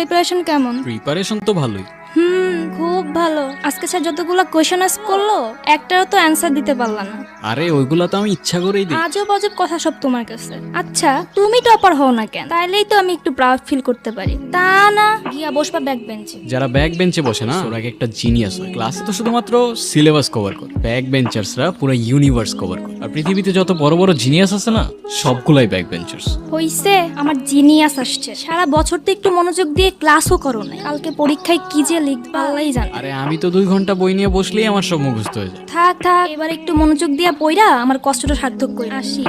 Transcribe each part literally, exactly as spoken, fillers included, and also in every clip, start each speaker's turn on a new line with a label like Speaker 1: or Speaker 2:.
Speaker 1: Preparation কেমন?
Speaker 2: Preparation তো ভালোই।
Speaker 1: হুম, খুব ভালো। আজকে স্যার যতগুলো কোয়েশ্চেন আস্ক করলো একটারও তো অ্যানসার দিতে পারলা না।
Speaker 2: আরে ওইগুলা তো আমি ইচ্ছা করেই দিই।
Speaker 1: আজব অজব কথা সব তোমার কাছে। আচ্ছা তুমি টপার হও না কেন? তাইলেই তো আমি একটু প্রাউড ফিল করতে পারি। তা না গিয়া বসবা ব্যাক বেঞ্চে।
Speaker 2: যারা ব্যাক বেঞ্চে বসে না ওরা একটা জিনিয়াস হয়। ক্লাসে তো শুধুমাত্র সিলেবাস কভার করে, ব্যাক বেঞ্চার্সরা পুরো ইউনিভার্স কভার করে। আর পৃথিবীতে যত বড় বড় জিনিয়াস আছে না সবগুলাই ব্যাক বেঞ্চার্স।
Speaker 1: হইছে আমার জিনিয়াস আসছে। সারা বছর তো একটু মনোযোগ দিয়ে ক্লাসও করো না। কালকে পরীক্ষায় কি যে লিখবা আল্লাহই জানে।
Speaker 2: আরে আমি তো দুই ঘন্টা বই নিয়ে বসলেই আমার সব মুখস্থ হয়ে যায়।
Speaker 1: থাক থাক, এবার একটু মনোযোগ দিয়া পইরা আমার কষ্টটা সার্থক করি। আসি।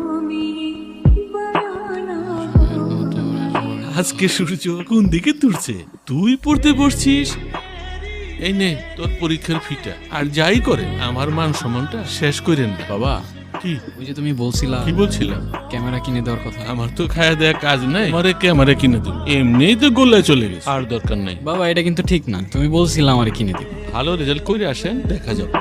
Speaker 3: আজকে সূর্য কোন দিকে তুলছে? তুই পড়তে বসছিস। এই নে তোর পরীক্ষার ফিটা। আর যাই করে আমার মান সম্মানটা শেষ করেন না।
Speaker 2: বাবা
Speaker 3: কি
Speaker 2: ওই যে তুমি বলছিলা
Speaker 3: কি বলছিলাম?
Speaker 2: ক্যামেরা কিনে দেওয়ার কথা।
Speaker 3: আমার তো খায়া দেয়া কাজ নাই, আমারে ক্যামেরা কিনে দিন। এমনিই তো গোল্লায় চলে গেছে, আর দরকার নাই।
Speaker 2: বাবা এটা কিন্তু ঠিক না, তুমি বলছিলা আমারে কিনে দিবে।
Speaker 3: ভালো রেজাল্ট করে আসেন, দেখা যাবে।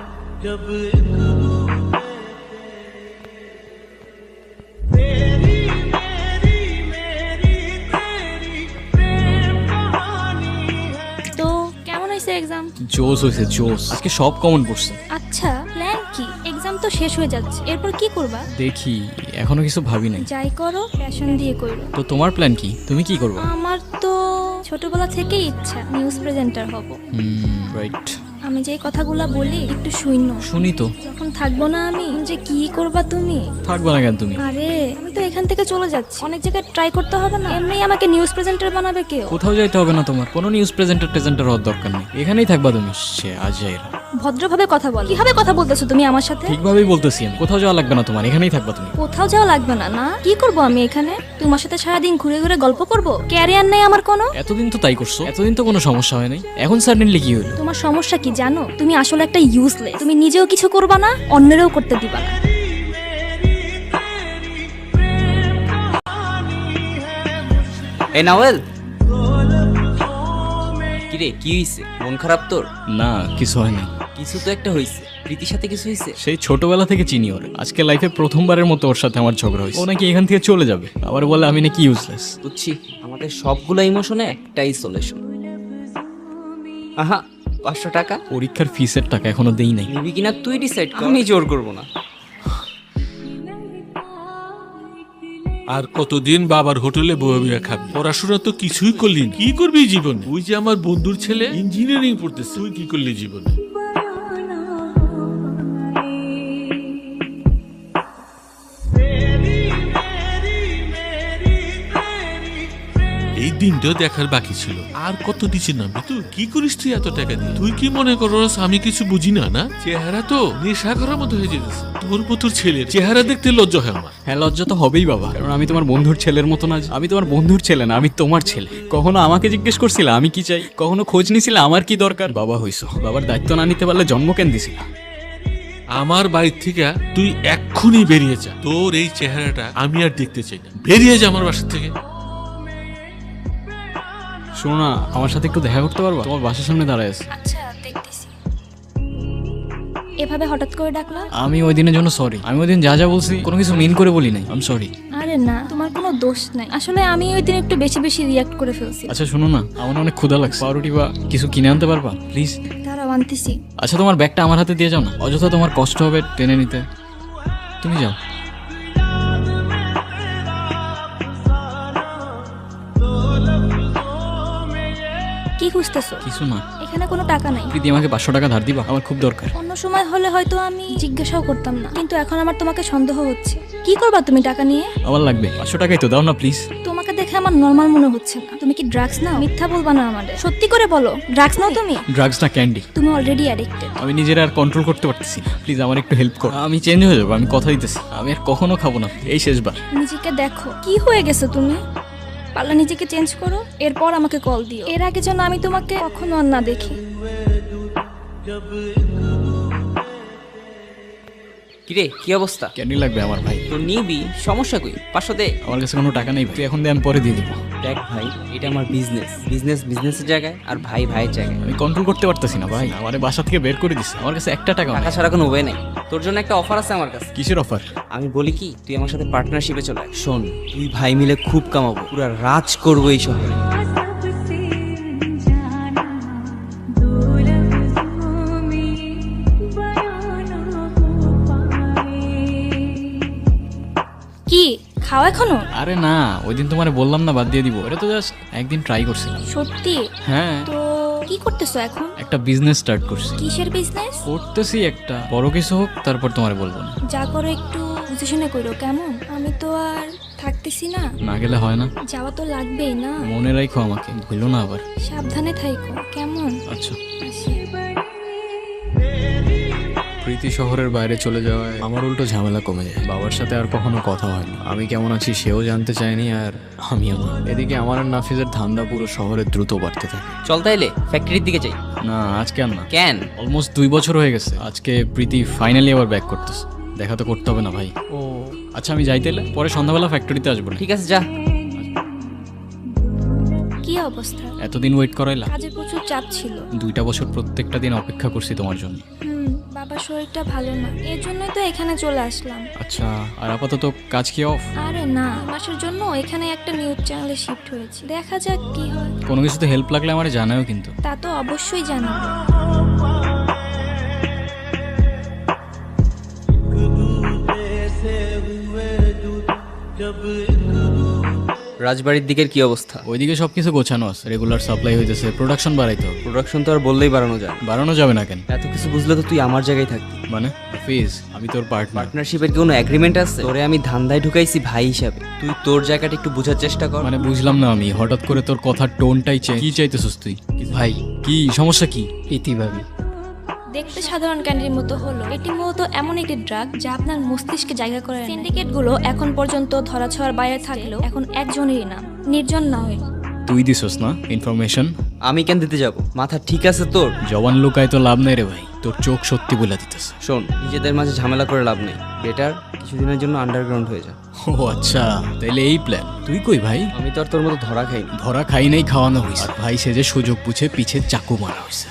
Speaker 1: তো কেমন হয়েছে এক্সাম?
Speaker 2: জোস হয়েছে জোস, আজকে সব কমন পড়ছে।
Speaker 1: আচ্ছা প্ল্যান কি? এক্সাম তো শেষ হয়ে যাচ্ছে, এরপর কি করবা?
Speaker 2: দেখি এখনো কিছু ভাবি নাই।
Speaker 1: যাই করো প্যাশন দিয়ে করো।
Speaker 2: তো তোমার প্ল্যান কি? তুমি কি করবে?
Speaker 1: আমার তো ছোটবেলা থেকেই ইচ্ছা নিউজ প্রেজেন্টার হব।
Speaker 2: Hmm right.
Speaker 1: আমি যে কথাগুলা বলি একটু শুইনো।
Speaker 2: শুনি তো।
Speaker 1: যখন থাকবো না আমি, যে কি করবা তুমি?
Speaker 2: থাকবে না কেন তুমি?
Speaker 1: আরে আমি তো এখান থেকে চলে যাচ্ছি, অনেক জায়গায় ট্রাই করতে হবে না? এমনি আমাকে নিউজ প্রেজেন্টার বানাবে কেউ?
Speaker 2: কোথাও যাইতে হবে না তোমার, কোনো নিউজ প্রেজেন্টার প্রেজেন্টার হওয়ার দরকার নেই, এখানেই থাকবা তুমি। সে আজাইরা
Speaker 1: ভদ্রভাবে কথা বল। কিভাবে কথা বলতেছো তুমি আমার সাথে?
Speaker 2: ঠিকভাবেই বলতেছি আমি, কোথাও যাওয়া লাগবে না তোমার, এখানেই থাকবা তুমি।
Speaker 1: কোথাও যাওয়া লাগবে না। না কি করব আমি এখানে? তোমার সাথে সারাদিন ঘুরে ঘুরে গল্প করব? ক্যারিয়ার নেই আমার কোনো?
Speaker 2: এতদিন তো তাই করছো, এতদিন তো কোনো সমস্যা হয় নাই, এখন সাডেনলি কি হলো?
Speaker 1: তোমার সমস্যা কি জানো? তুমি আসলে একটা ইউজলেস। তুমি নিজেও কিছু করবা না, অন্যেরও করতে দিবা না।
Speaker 4: এই নাওয়েল, কিরে কি হইছে? মন খারাপ তোর?
Speaker 2: না কিছু হয় না।
Speaker 4: কিছু তো একটা হইছে। প্রীতির সাথে কিছু হইছে?
Speaker 2: সেই ছোটবেলা থেকে চিনি ওর, আজকে লাইফে প্রথমবারের মতো ওর সাথে আমার ঝগড়া হয়েছে। ও নাকি এখান থেকে চলে যাবে, আবার বলে আমি নাকি ইউজলেস।
Speaker 4: বুঝছি, আমাদের সবগুলো ইমোশনে একটাই সলিউশন। আহা, পাঁচশো টাকা
Speaker 2: পরীক্ষার ফিসের টাকা এখনো দেই নাই।
Speaker 4: নিবি কিনা তুই ডিসাইড কর, আমি জোর করবো না।
Speaker 3: আর কতদিন বাবার হোটেলে বয়ে বয়ে খাবি? পড়াশোনা তো কিছুই করলি না। কি করবি জীবনে? ওই যে আমার বন্ধুর ছেলে ইঞ্জিনিয়ারিং পড়তেছে, তুই কি করলি জীবনে? এই দিনটা দেখার বাকি ছিল। আর কত দিচ্ছি না তুই? কি করিস তুই এত টাকা দিয়ে? তুই কি মনে করস আমি কিছু বুঝি না? না চেহারা তো নেশা করার মতো হয়ে যেতেছে। তোর মতোর ছেলে চেহারা দেখতে লজ্জা হয় আমার।
Speaker 2: হ্যাঁ লজ্জা তো হবেই বাবা, কারণ আমি তোমার বন্ধুর ছেলের মতো না। আমি তোমার বন্ধুর ছেলে না, আমি তোমার ছেলে। কখনো আমাকে জিজ্ঞেস করছিলা আমি কি চাই? কখনো খোঁজ নিছিলা আমার কি দরকার? বাবা হইছো, বাবার দায়িত্ব না নিতে পারলে জন্ম কেন দিছিলা?
Speaker 3: আমার বাড়ির থেকে তুই এক্ষুনি বেরিয়ে যা। তোর এই চেহারাটা আমি আর দেখতে চাই না। বেরিয়ে যা আমার বাসা থেকে।
Speaker 2: শোনো না, আমার সাথে একটু দেখা করতে পারবা? তোমার বাসার সামনে দাঁড়ায় আছে।
Speaker 1: আচ্ছা দেখতেছি। এভাবে হঠাৎ করে ডাকলা?
Speaker 2: আমি ওই দিনের জন্য সরি। আমি ওই দিন যা যা বলছি কোনো কিছু মিন করে বলি নাই, আই এম সরি।
Speaker 1: আরে না, তোমার কোনো দোষ নাই। আসলে আমি ওই দিন একটু বেশি বেশি রিয়াক্ট করে ফেলছি।
Speaker 2: আচ্ছা শোনো না, আমার অনেক ক্ষুধা লাগছে, পাউরুটি বা কিছু কিনে আনতে পারবা প্লিজ?
Speaker 1: দাঁড়াও আনতেছি।
Speaker 2: আচ্ছা তোমার ব্যাগটা আমার হাতে দিয়ে যাও না, অযথা তোমার কষ্ট হবে টেনে নিতে। তুমি যাও।
Speaker 1: কি খুঁজতেছো?
Speaker 2: কিছু না।
Speaker 1: এখানে কোনো টাকা নাই।
Speaker 2: প্রীতি আমাকে পাঁচশো টাকা ধার দিবা, আমার খুব দরকার।
Speaker 1: অন্য সময় হলে হয়তো আমি জিজ্ঞাসাও করতাম না, কিন্তু এখন আমার তোমাকে সন্দেহ হচ্ছে। কি করবা তুমি টাকা নিয়ে?
Speaker 2: আমার লাগবে পাঁচশো টাকাই তো, দাও না প্লিজ।
Speaker 1: তোমাকে দেখে আমার নর্মাল মনে হচ্ছে না। তুমি কি ড্রাগস নাও? মিথ্যা বলবা না আমাদের, সত্যি করে বলো। ড্রাগস নাও তুমি?
Speaker 2: ড্রাগস না ক্যান্ডি।
Speaker 1: তুমি অলরেডি অ্যাডিক্টেড।
Speaker 2: আমি নিজের আর কন্ট্রোল করতে পারতেছি না, প্লিজ আমার একটু হেল্প করো। আমি চেঞ্জ হয়ে যাবো, আমি কথা দিতেছি। আমি আর কখনো খাবো না, এই শেষবার।
Speaker 1: নিজেকে দেখো কি হয়ে গেছো তুমি। পারলে নিজেকে চেঞ্জ করো, এরপর আমাকে কল দিও। এর আগে যেন আমি তোমাকে কখনো আর না দেখি।
Speaker 4: কিরে কি অবস্থা?
Speaker 2: ক্যান্ডি লাগবে আমার ভাই।
Speaker 4: তো নিবি, সমস্যা কই? পাঁচশো দে।
Speaker 2: আমার কাছে কোনো টাকা নেই ভাই, তুই এখন দে, আমি পরে দিয়ে দিব।
Speaker 4: দেখ ভাই, এটা আমার বিজনেস। বিজনেস বিজনেসের জায়গায়, আর ভাই ভাইয়ের জায়গায়।
Speaker 2: আমি কন্ট্রোল করতে পারতেছি না ভাই, আমার বাসা থেকে বের করে দিছে। আমার কাছে একটা টাকা
Speaker 4: টাকা ছাড়া কোনো ওয়ে নেই। তোর জন্য একটা অফার আছে আমার কাছে।
Speaker 2: কিসের অফার?
Speaker 4: আমি বলি কি, তুই আমার সাথে পার্টনারশিপে চলে আয়। শোন, তুই ভাই মিলে খুব কামাবো, পুরো রাজ করবো এই শহরে।
Speaker 1: খাও এখনো?
Speaker 2: আরে না, ওই দিন তোমারে বললাম না বাদ দিয়ে দিব, এটা তো জাস্ট একদিন ট্রাই করছিলাম।
Speaker 1: সত্যি?
Speaker 2: হ্যাঁ,
Speaker 1: তো কি করতেছো এখন?
Speaker 2: একটা বিজনেস স্টার্ট করছি।
Speaker 1: কিসের বিজনেস?
Speaker 2: করতেছি একটা, বড় কিছু হোক তারপর তোমারে বলবো না।
Speaker 1: যা করো একটু বুঝে শুনে করো, কেমন? আমি তো আর থাকতেছি না।
Speaker 2: না গেলে হয় না,
Speaker 1: যাওয়া তো লাগবেই না।
Speaker 2: মনে রাখো আমাকে, ভুলো না আবার।
Speaker 1: সাবধানে থাইকো, কেমন?
Speaker 2: আচ্ছা।
Speaker 1: আসি।
Speaker 2: প্রীতি শহরের বাইরে চলে যাওয়ায় আমার উল্টো ঝামেলা কমে যায়। বাবার সাথে আর কখনো কথা হয়নি, আমি কেমন আছি সেও জানতে চায়নি, আর আমিও না। এদিকে আমার আর নাফিজের ধান্দা পুরো শহরে দ্রুত বাড়তে থাকে।
Speaker 4: চল তাইলে ফ্যাক্টরির দিকে যাই।
Speaker 2: না আজকে আর না।
Speaker 4: কেন?
Speaker 2: অলমোস্ট দুই বছর হয়ে গেছে। আজকে প্রীতি ফাইনালি আবার ব্যাক করতেছে। দেখা তো করতে হবে না ভাই?
Speaker 4: ও
Speaker 2: আচ্ছা আমি যাইতে এলে পরে সন্ধ্যাবেলা ফ্যাক্টরিতে আসবো না?
Speaker 4: ঠিক আছে, যা।
Speaker 1: কি অবস্থা?
Speaker 2: এতদিন ওয়েট করাইলা?
Speaker 1: কাজে প্রচুর চাপ ছিল।
Speaker 2: দুইটা বছর প্রত্যেকটা দিন অপেক্ষা করছি তোমার জন্য।
Speaker 1: হুম, বাবার শরীরটা ভালো না, এর জন্যই তো এখানে চলে আসলাম।
Speaker 2: আচ্ছা, আর আপাতত কাজ কি অফ?
Speaker 1: আরে না, মাসের জন্য এখানে একটা নিউজ চ্যানেলে শিফট হয়েছে, দেখা যাক কি হয়।
Speaker 2: কোনো কিছুতে হেল্প লাগলে আমার জানাও কিন্তু।
Speaker 1: তা তো অবশ্যই জানাবো।
Speaker 4: রাজবাড়ির দিকের কি অবস্থা?
Speaker 2: ওইদিকে সবকিছু গোছানো আছে, রেগুলার সাপ্লাই হইতেছে, প্রোডাকশন বাড়াইতে হবে।
Speaker 4: প্রোডাকশন তো আর বললেই বাড়ানো যায়।
Speaker 2: বাড়ানো যাবে না কেন?
Speaker 4: এত কিছু বুঝলে তো তুই আমার জায়গায় থাকবি।
Speaker 2: মানে হাফিজ, আমি তোর পার্টনার।
Speaker 4: পার্টনারশিপের কি কোনো এগ্রিমেন্ট আছে? তোরে আমি ধান্দায় ঢুকাইছি ভাই হিসাবে, তুই তোর জায়গাটা একটু বোঝার চেষ্টা কর।
Speaker 2: মানে বুঝলাম না আমি, হঠাৎ করে তোর কথার টোনটাই চেঞ্জ। কি চাইতেছিস তুই? ভাই কি সমস্যা? কি ইতি ভাবি?
Speaker 1: দেখতে সাধারণ ক্যান্ডির মতো হলো, এটি মূলত এমন একটি ড্রাগ যা আপনার মস্তিষ্কে জায়গা করে। সিন্ডিকেট গুলো এখন পর্যন্ত ধরাছোঁয়ার বাইরে থাকলেও এখন একজনেরই নাম, নির্জন নাওয়েল।
Speaker 2: তুই দিছস না ইনফরমেশন?
Speaker 4: আমি কেন দিতে যাব? মাথা ঠিক আছে তোর?
Speaker 2: জবান লুকায় তো লাভ নেই রে ভাই, তোর চোখ সত্যি বলে দিতেছে।
Speaker 4: শোন, নিজেদের মাঝে ঝামেলা করে লাভ নেই, বেটার কিছুদিনের জন্য আন্ডারগ্রাউন্ড হয়ে যা।
Speaker 2: ও আচ্ছা, তাইলে এই প্ল্যান। তুই কই ভাই?
Speaker 4: আমি তো আর তোর মতো ধরা খাইনি।
Speaker 2: ধরা খাই নাই, খাওয়ানো হয়েছে। আর ভাই সে যে সুযোগ বুঝে পিছে চাকু মারা হয়েছে।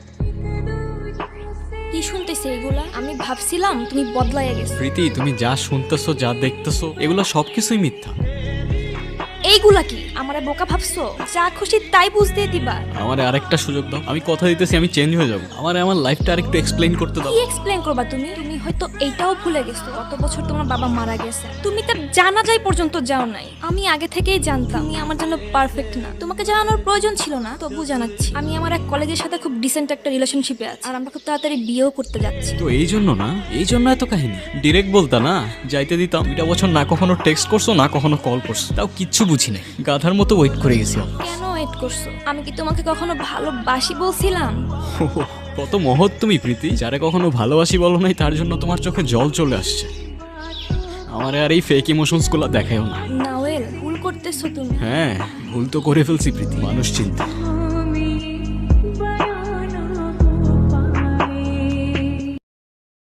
Speaker 1: কি শুনতেছে এগুলা? আমি ভাবছিলাম তুমি বদলাইয়া গেছো।
Speaker 2: প্রীতি, তুমি যা শুনতেছো যা দেখতেছো এগুলো সবকিছুই মিথ্যা।
Speaker 1: এইগুলা কি আমারে বোকা ভাবছো? যা খুশি তাই বুঝতে দিবা।
Speaker 2: আমার আরেকটা সুযোগ দাও, আমি কথা দিতেছি আমি চেঞ্জ হয়ে যাবো। আমার আমার লাইফটা আরেকটু এক্সপ্লেইন করতে দাও।
Speaker 1: কি এক্সপ্লেন করবা তুমি? তুমি হয়তো এইটাও ভুলে গেছো গত বছর তোমার বাবা মারা গেছে, তুমি তার জানাজাই পর্যন্ত যাও নাই। আমি আগে থেকেই জানতাম তুমি আমার জন্য পারফেক্ট না, তোমাকে জানানোর প্রয়োজন ছিল না, তবু জানাচ্ছি। আমি আমার এক কলেজের সাথে খুব ডিসেন্ট একটা রিলেশনশিপে আছি, আর আমরা খুব তাড়াতাড়ি বিয়েও করতে যাচ্ছি।
Speaker 2: তো এই জন্য না, এই জন্য এত কাহিনী। ডিরেক্ট বলতা না, যাইতে দিতাম। দুইটা বছর না কখনো টেক্সট করছো না কখনো কল করছো, তাও কিচ্ছু বুঝি নাই। গাধার মতো ওয়েট করে গেছি।
Speaker 1: কেন ওয়েট করছো? আমি কি তোমাকে কখনো ভালোবাসি বলছিলাম?
Speaker 2: কত মহৎ তুমি প্রীতি, যারে কখনো ভালোবাসি বলো নাই তার জন্য তোমার চোখে জল চলে আসছে। আমার আর এই ফেক ইমোশনস গুলো দেখায়ও না।
Speaker 1: নাওয়েল, ভুল করতেছো তুমি।
Speaker 2: হ্যাঁ, ভুল তো করে ফেলছি প্রীতি, মানুষ চিন্তা।